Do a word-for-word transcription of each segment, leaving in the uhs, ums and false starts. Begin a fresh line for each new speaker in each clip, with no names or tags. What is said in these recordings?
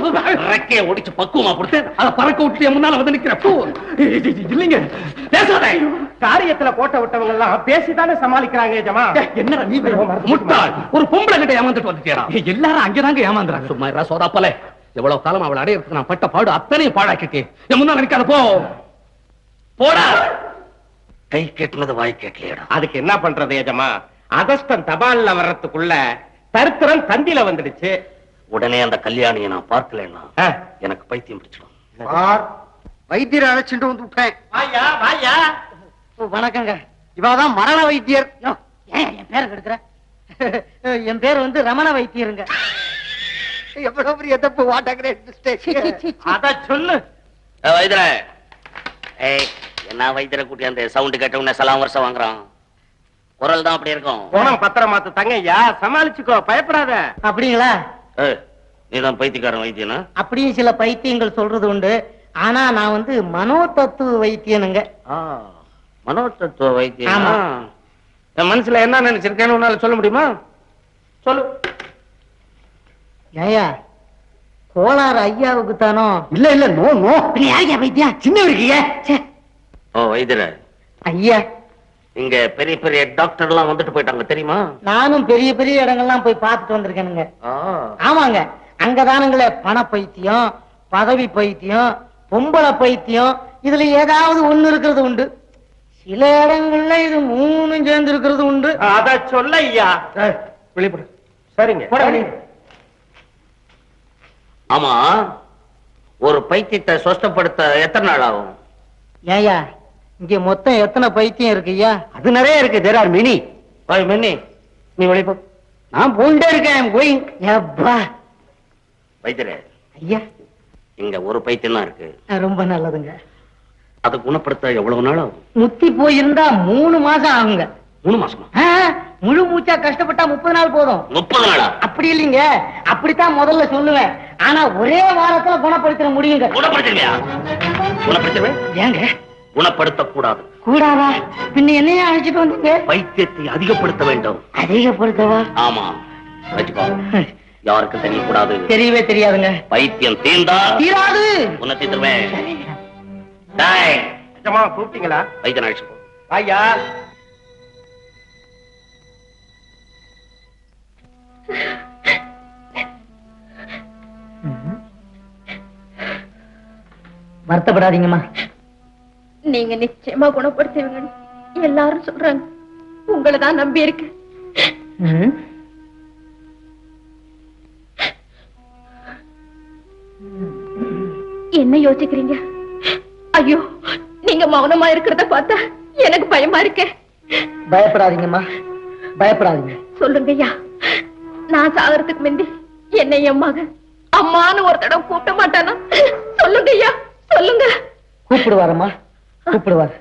ரெக்கைய ஒடிச்சு பக்குவமா கொடுத்து அதை பறக்க விட்டு முன்னால வந்து நிக்கிற பூ இல்லைங்க. பேசாத.
காரியத்துல கோட்டை விட்டவங்க எல்லாம் பேசிதானே சமாளிக்கிறாங்க ஏஜமா.
என்ன நீ முட்டாள், ஒரு பொம்பளை கிட்ட ஏமாந்துட்டு வந்துட்டேடா. எல்லாரும் அங்கதாங்க ஏமாந்துறாங்க. சும்மா இரா சோதாப்பல. எவ்வளவு காலம் அவளை அடையிறதுக்கு நான் பட்ட பாடு அத்தனையும் பாழாக்கிட்டேன். என் முன்னால நிக்காத போ. போடா. கை கேட்டுனது வாய் கேட்கலையடா.
அதுக்கு என்ன பண்றது ஏஜமா? அகஸ்டன் தபால்ல வர்றதுக்குள்ள தருத்திரம் தந்தில வந்துடுச்சு.
உடனே அந்த கல்யாணியை நான் பார்க்கலன்னா எனக்கு பைத்தியம் பிடிச்சிடும்.
வைத்தியரை அழைச்சிட்டு வந்து விட்டேன்.
வாயா வாயா.
வணக்கங்க. இவாதான் மரண வைத்தியர். என் பேரை கெடுக்கிற. என் பேர் வந்து ரமண வைத்தியருங்க. எவ்வளவு பெரிய தப்பு வாட்டாக்கிறேன்.
அத சொல்லு
வைத்தியரே. ஏய், என்ன வைத்தியரை கூட்டி அந்த சவுண்ட் கேட்ட உடனே சலாம் வருஷம் வாங்குறான். குரல் தான் அப்படி இருக்கும்.
போனம் பத்திரம் மாத்து தங்கய்யா, சமாளிச்சுக்கோ, பயப்படாத.
அப்படிங்களா?
நீதான் பைத்தியக்காரன் வைத்தியனா?
அப்படியும் சில பைத்தியங்கள் சொல்றது உண்டு. ஆனா நான் வந்து மனோ தத்துவ வைத்தியனுங்க.
மனோ தத்துவ வைத்தியம். என் மனசுல என்ன நினைச்சிருக்கேன்னு உன்னால சொல்ல முடியுமா? சொல்லு.
ஏயா கோளாறு ஐயாவுக்கு தானோ?
இல்ல இல்ல நோ நோ.
யாருக்கா வைத்தியம்? சின்ன இருக்கீங்க.
ஓ வைத்தியர
ஐயா,
இங்க பெரிய பெரிய டாக்டர் எல்லாம் வந்துட்டு போயிட்டாங்க தெரியுமா?
நானும் பெரிய பெரிய இடங்கள்லாம் போய் பார்த்துட்டு வந்திருக்கேனுங்க. ஆமாங்க, அங்கதானுங்களே பண பைத்தியம், பதவி பைத்தியம், பொம்பளை பைத்தியம், இதுல ஏதாவது ஒண்ணு இருக்கிறது உண்டு. சில இடங்கள்ல இது மூணும் சேர்ந்து இருக்கிறது உண்டு.
அத சொல்ல ஐயா. வெளிப்படு. சரிங்க.
ஆமா, ஒரு பைத்தியத்தை சொஸ்தப்படுத்த எத்தனை நாள் ஆகும்?
ஏயா, இங்க மொத்தம் எத்தனை பைத்தியம் இருக்கு ஐயா?
அது நிறைய இருக்கு. There are many.
பாய் மெனி. நீ வெளிப்போ.
நான் போயிட்டே இருக்கேன். போய் எப்பா
வைத்தியரே.
ஐயா,
இங்க ஒரு பைத்தியம் தான் இருக்கு.
ரொம்ப நல்லதுங்க.
அதை குணப்படுத்த எவ்வளவு நாள் ஆகும்?
முத்தி போயிருந்தா மூணு மாசம் ஆகுங்க.
மூணு மாசமா?
முழு மூச்சா கஷ்டப்பட்டா முப்பது நாள் போதும்.
முப்பது நாளா?
அப்படி இல்லைங்க, அப்படித்தான் முதல்ல சொல்லுவேன். ஆனா ஒரே வாரத்துல குணப்படுத்த முடியுங்க.
குணப்படுத்துவியா? குணப்படுத்துவேன்.
ஏங்க
குணப்படுத்த கூடாது.
கூடாதா? பின்ன என்னையா அழைச்சிட்டு வந்தீங்க?
பைத்தியத்தை அதிகப்படுத்த வேண்டும்.
அதிகப்படுத்தவா?
ஆமா, வச்சுக்கோ. யாருக்கும் தெரியக்கூடாது.
தெரியவே தெரியாதுங்க.
பைத்தியம் தீர்ந்தா
தீராது.
உன்னை தீர்த்துருவேன்.
கூப்பிட்டீங்களா?
வைத்தியன் அழைச்சு போ.
ஐயா,
வருத்தப்படாதீங்கம்மா.
நீங்க நிச்சயமா குணப்படுத்துவீங்க எல்லாரும் சொல்றாங்க. உங்களை தான் நம்பி இருக்கு. என்ன யோசிக்கிறீங்க? ஐயோ, நீங்க மௌனமா இருக்கிறத பார்த்தா எனக்கு பயமா இருக்கே.
பயப்படாதீங்கம்மா, பயப்படாதீங்க.
சொல்லுங்க ஐயா, நான் சாகறதுக்கு முந்தி என்னை என் மகன் அம்மான்னு ஒரு தடவை கூப்பிட மாட்டானா? சொல்லுங்க ஐயா, சொல்லுங்க.
கூப்பிடுவாரம்மா, கூப்பிடுவார்.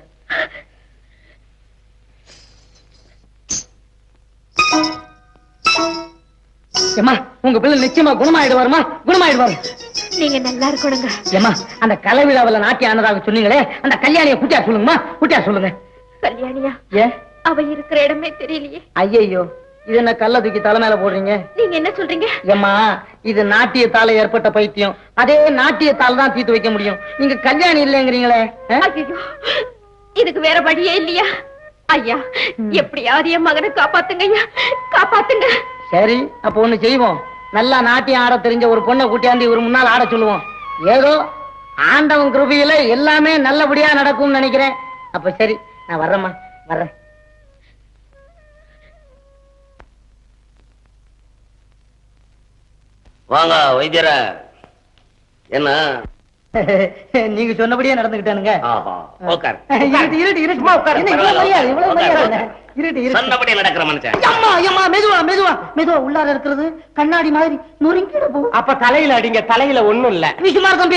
ஏமா, உங்க பிள்ளை நிச்சயமா குணமாயிடுவாருமா, குணமாயிடுவாரு.
நீங்க நல்லா இருக்கணுங்க.
ஏமா, அந்த கலை விழாவில நாட்டிய ஆனதாக சொன்னீங்களே, அந்த கல்யாணிய குட்டியா சொல்லுங்கம்மா, குட்டியா சொல்லுங்க.
கல்யாணியா?
ஏ,
அவ இருக்கிற இடமே தெரியலையே.
ஐயோ, இது என்ன கல்ல தூக்கி தலை மேல போடுறீங்க?
நீங்க என்ன சொல்றீங்க?
ஏமா, இது நாட்டியத்தால ஏற்பட்ட பைத்தியம். அதே நாட்டியத்தால் தான் தீர்த்து வைக்க முடியும். நீங்க கல்யாணி இல்லைங்கிறீங்களே.
ஐயோ, இதுக்கு வேற வழியே இல்லையா? ஐயா, எப்படியாவது என் மகனை காப்பாத்துங்க ஐயா, காப்பாத்துங்க.
சரி, அப்ப ஒண்ணு செய்வோம். நல்லா நாட்டியம் ஆட தெரிஞ்ச ஒரு பொண்ணை கூட்டியாந்து இவர் முன்னால் ஆட சொல்லுவோம். ஏதோ ஆண்டவன் கிருபையில எல்லாமே நல்லபடியா நடக்கும்னு நினைக்கிறேன். அப்ப சரி, நான் வர்றேம்மா, வர்றேன்.
வாங்க வைத்தியர. என்ன
நீங்க சொன்னபடியே நடந்துகிட்டானுங்க.
நடக்கிற மனுஷன்.
மெதுவா மெதுவா மெதுவா உள்ளார இருக்கிறது கண்ணாடி மாதிரி நொறுங்கிட போ.
அப்ப தலையில அடிங்க, தலையில ஒண்ணும் இல்ல.
விஷயமா தம்பி.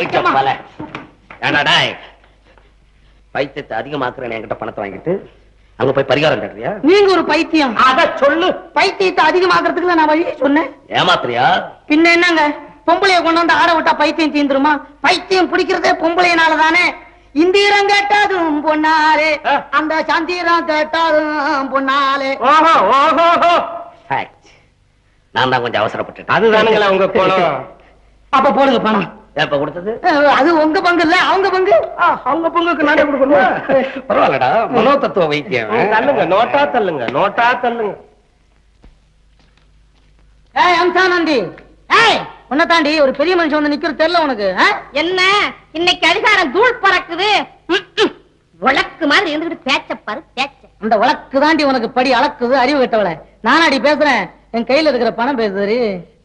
பைத்தியத்தை அதிகமாக்குறேன் என்கிட்ட பணத்தை வாங்கிட்டு அங்க போய் பரிகாரம் கட்டுறியா?
நீங்க ஒரு பைத்தியம்.
அத சொல்லு.
பைத்தியத்தை அதிகமாக்குறதுக்கு நான் வழி சொன்னேன்.
ஏமாத்திரியா?
பின்ன என்னங்க, பொம்பளைய கொண்டு வந்து ஆட விட்டா பைத்தியம் தீந்துருமா? பைத்தியம் பிடிக்கிறதே பொம்பளையினாலதானே. இந்திரம் கேட்டாலும் பொன்னாலே, அந்த சந்திரம் கேட்டாலும் பொன்னாலே.
ஓஹோ ஓஹோ,
நான் தான் கொஞ்சம் அவசரப்பட்டேன்.
அதுதானுங்களா உங்க கோலம்.
அப்ப போடுங்க பணம்.
எப்ப கொடுத்தது?
அது உங்க பங்கு இல்ல, அவங்க பங்கு.
அவங்க பங்குக்கு நானே கொடுக்கணும். பரவாயில்லடா, மனோ தத்துவ வைத்தியம்.
தள்ளுங்க, நோட்டா தள்ளுங்க, நோட்டா தள்ளுங்க.
ஏய் அம்சானந்தி, ஏய் உன்னை தாண்டி ஒரு பெரிய மனுஷன் வந்து நிக்கிற தெரியல உனக்கு?
என்ன இன்னைக்கு அதிகாரம் தூள் பறக்குது. உலக்கு மாதிரி இருந்துகிட்டு பேச்ச பாரு பேச்ச.
அந்த வழக்கு தாண்டி உனக்கு படி அளக்குது, அறிவு கட்டவள. நானாடி பேசுறேன், என் கையில இருக்கிற பணம் பேசுது.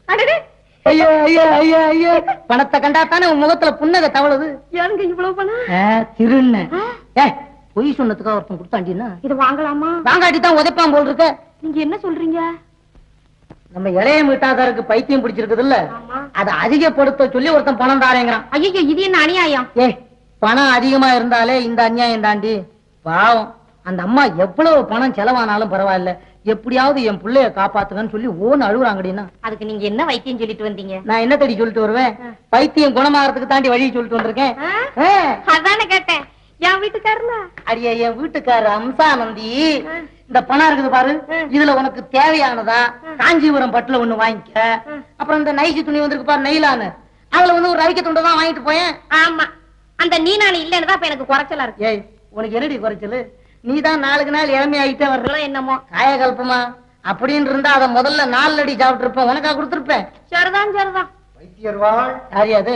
ஐயோ ஐயோ ஐயோ ஐயோ, பணத்தை கண்டாத்தானே உன் முகத்துல புன்னகை தவழுது.
ஏங்க இவ்வளவு பணம்?
திருண்ண ஏ பொய் சொன்னதுக்காக ஒருத்தன் கொடுத்தாண்டினா
இது வாங்கலாமா?
வாங்காட்டி தான் உதைப்பான் போல் இருக்க.
நீங்க என்ன சொல்றீங்க?
நம்ம இளைய மீட்டாதாருக்கு பைத்தியம் பிடிச்சிருக்குது இல்ல, அதை அதிகப்படுத்த சொல்லி ஒருத்தன் பணம் தாரேங்கிறான்.
ஐயோ இது என்ன அநியாயம்?
ஏ பணம் அதிகமா இருந்தாலே இந்த அநியாயம் தாண்டி. பாவம் அந்த அம்மா எவ்வளவு பணம் செலவானாலும் பரவாயில்ல, எப்படியாவது என் பிள்ளைய காப்பாத்துங்கன்னு சொல்லி ஓன்னு அழுகுறாங்கடினா.
அதுக்கு நீங்க என்ன வைத்தியம் சொல்லிட்டு வந்தீங்க?
நான் என்ன தேடி சொல்லிட்டு வருவேன்? பைத்தியம் குணமாகறதுக்கு தாண்டி வழி சொல்லிட்டு வந்திருக்கேன்.
அதானே கேட்டேன். என் வீட்டுக்காரல
அடியா என் வீட்டுக்காரர் அம்சானந்தி, இந்த பணம் இருக்குது பாரு, இதுல உனக்கு தேவையானதா காஞ்சிபுரம் பட்டுல ஒண்ணு வாங்கிக்க. அப்புறம் இந்த நைசி துணி வந்திருக்கு பாரு நெய்லான்னு, அதுல வந்து ஒரு ரவிக்க துண்டை தான் வாங்கிட்டு போயேன்.
ஆமா, அந்த நீ நானு இல்லன்னு தான் எனக்கு குறைச்சலா இருக்கு.
ஏய் உனக்கு என்னடி குறைச்சலு? நீதான் நாளுக்கு நாள் இளமை ஆகிட்டே வர்ற.
என்னமோ
காயகல்பமா அப்படின்னு இருந்தா அதை முதல்ல நாலு அடி சாப்பிட்டு இருப்பேன், உனக்கா கொடுத்துருப்பேன்.
சரிதான் சரிதான்.
வைத்தியர்வாள் யாரியாது?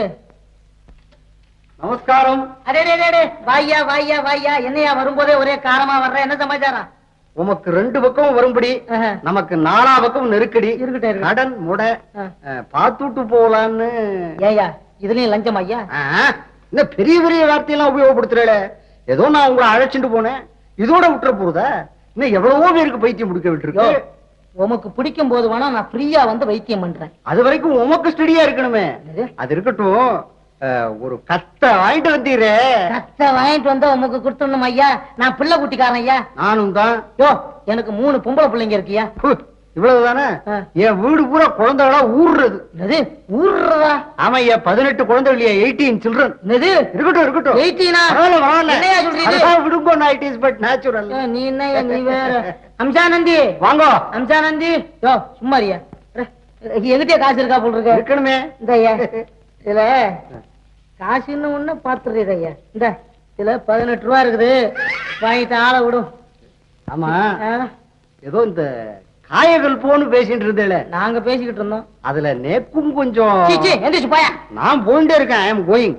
நமஸ்காரம். அடே வாய்யா வாய்யா வாய்யா, என்னையா வரும்போதே ஒரே காரமா வர்ற, என்ன சமாச்சாரம்?
உமக்கு ரெண்டு பக்கம் வரும்படி, நமக்கு நாலா பக்கம் நெருக்கடி
இருக்கட்டே.
கடன் முட பாத்துட்டு போலான்னு.
ஏயா இதுலயும் லஞ்சம் ஐயா?
இந்த பெரிய பெரிய வார்த்தையெல்லாம் உபயோகப்படுத்துறேல. ஏதோ நான் உங்களை அழைச்சிட்டு போனேன், இதோட விட்டுற போறதா? இன்னும் எவ்வளவோ பேருக்கு பைத்தியம் முடிக்க விட்டுருக்கு.
உமக்கு பிடிக்கும் போது வேணா நான் ஃப்ரீயா வந்து வைத்தியம் பண்றேன்.
அது வரைக்கும் உமக்கு ஸ்டடியா இருக்கணுமே. அது இருக்கட்டும், ஒரு கத்தை வாங்கிட்டு வந்தீரே.
கத்தை வாங்கிட்டு வந்தா உமக்கு கொடுத்துடணும் ஐயா. நான் பிள்ளை குட்டிக்காரன் ஐயா.
நானும் தான்.
யோ எனக்கு மூணு பொம்பளை பிள்ளைங்க இருக்கியா?
இவ்வளவுதானே? என் வீடு பூரா குழந்தைகளா ஊர்றது.
என்னது ஊர்றதா?
ஆமா ஐயா, பதினெட்டு குழந்தைகள், எயிட்டீன் சில்ட்ரன்.
என்னது?
இருக்கட்டும் இருக்கட்டும்.
எயிட்டீனா?
என்னையா சொல்றீங்க? விடுங்கோ, இட் இஸ் பட் நேச்சுரல்.
நீ என்ன நீ வேற. அம்சானந்தி வாங்கோ. அம்சானந்தி யோ சும்மாரியா, எங்கிட்டே காசு இருக்கா போல் இருக்க?
இருக்கணுமே.
இந்த ஐயா இதுல காசுன்னு ஒண்ணு பாத்துறீங்க ஐயா. இந்த இதுல பதினெட்டு ரூபா இருக்குது, வாங்கிட்டு ஆளை விடும்.
ஆமா, ஏதோ இந்த காயகள் போன்னு பேசிட்டு இருந்தேல,
நாங்க பேசிக்கிட்டு இருந்தோம்.
அதுல நேக்கும் கொஞ்சம்.
எந்திரிச்சு போயா.
நான் போயிட்டே இருக்கேன். I am going.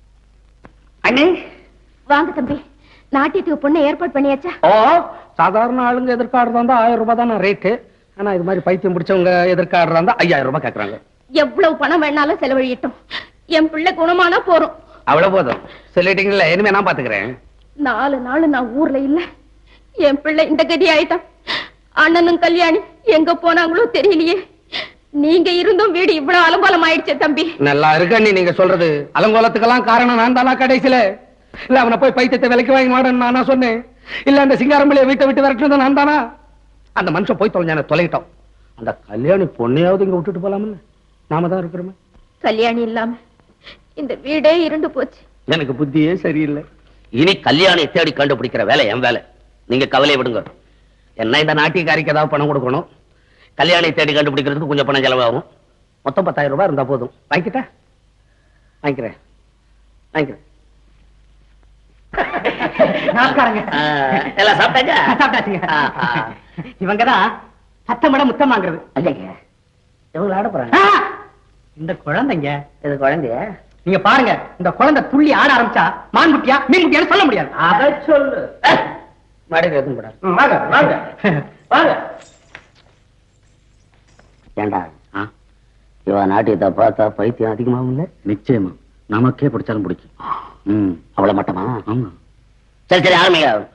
அண்ணே
வாங்க தம்பி, நாட்டியத்துக்கு பொண்ணு ஏற்பாடு பண்ணியாச்சா?
ஓ, சாதாரண ஆளுங்க எதிர்காடுறதா இருந்தா ஆயிரம் ரூபாய் தானே ரேட்டு. ஆனா இது மாதிரி பைத்தியம் பிடிச்சவங்க எதிர்காடுறதா இருந்தா ஐயாயிரம் ரூபாய் கேக்குறாங்க.
எவ்வளவு பணம் வேணாலும் செலவழியட்டும், என் பிள்ளை குணமானா போறோம்.
அவ்வளவு போதும் சொல்லிட்டீங்கல்ல, இனிமே நான் பாத்துக்கிறேன்.
நாலு நாள் நான் ஊர்ல இல்ல, என் பிள்ளை இந்த கதி ஆயிட்டான். அண்ணனும் கல்யாணி எங்க போனாங்களோ தெரியலையே. நீங்க இருந்தும் வீடு இவ்வளவு அலங்கோலம் ஆயிடுச்சு தம்பி.
நல்லா இருக்க நீங்க சொல்றது. அலங்கோலத்துக்கெல்லாம் காரணம் நான் தானா கடைசியில? இல்ல அவனை போய் பைத்தியத்தை விலைக்கு வாங்கி மாடன்னு நானா சொன்னேன்? இல்ல அந்த சிங்காரம்பிள்ளைய வீட்டை விட்டு விரட்டுறது நான் தானா? அந்த மனுஷன் போய் தொலைஞ்சான தொலைட்டோம். அந்த கல்யாணி பொண்ணையாவது இங்க விட்டுட்டு போலாம்ல, நாம தான் இருக்கிறோமே.
கல்யாணி இல்லாம இந்த வீடே இருண்டு போச்சு.
எனக்கு புத்தியே சரியில்லை. இனி கல்யாணி தேடி கண்டுபிடிக்கிற வேலை என் வேலை. நீங்க கவலை விடுங்க. என்ன இந்த நாட்டியக்காரிக்கு ஏதாவது பணம் கொடுக்கணும், கல்யாணி தேடி கண்டுபிடிக்கிறதுக்கு கொஞ்சம் பணம் செலவாகும். மொத்தம் பத்தாயிரம் ரூபாய் இருந்தா போதும். வாங்கிட்டா? வாங்கிக்கிறேன் வாங்கிக்கிறேன். எல்லாம் சாப்பிட்டாங்க?
சாப்பிட்டாச்சுங்க. இவங்கதான் சத்தமிட முத்தம் வாங்குறது.
இவங்க ஆட போறாங்க.
இந்த குழந்தைங்க.
இது குழந்தைய
நீங்க பாருங்க, இந்த குழந்தை துள்ளி ஆட ஆரம்பிச்சா மான்குட்டியா மீன்குட்டியான்னு சொல்ல முடியாது.
அதை சொல்லு. மடைக்கு எதுவும் கூடாது.
வாங்க வாங்க வாங்க.
ஏண்டா இவ நாட்டியத்தை பார்த்தா பைத்தியம் அதிகமாகும் இல்ல? நிச்சயமா நமக்கே பிடிச்சாலும் பிடிக்கும். ம் அவ்வளவு மட்டமா? ஆமா. சரி சரி ஆரம்பிங்க.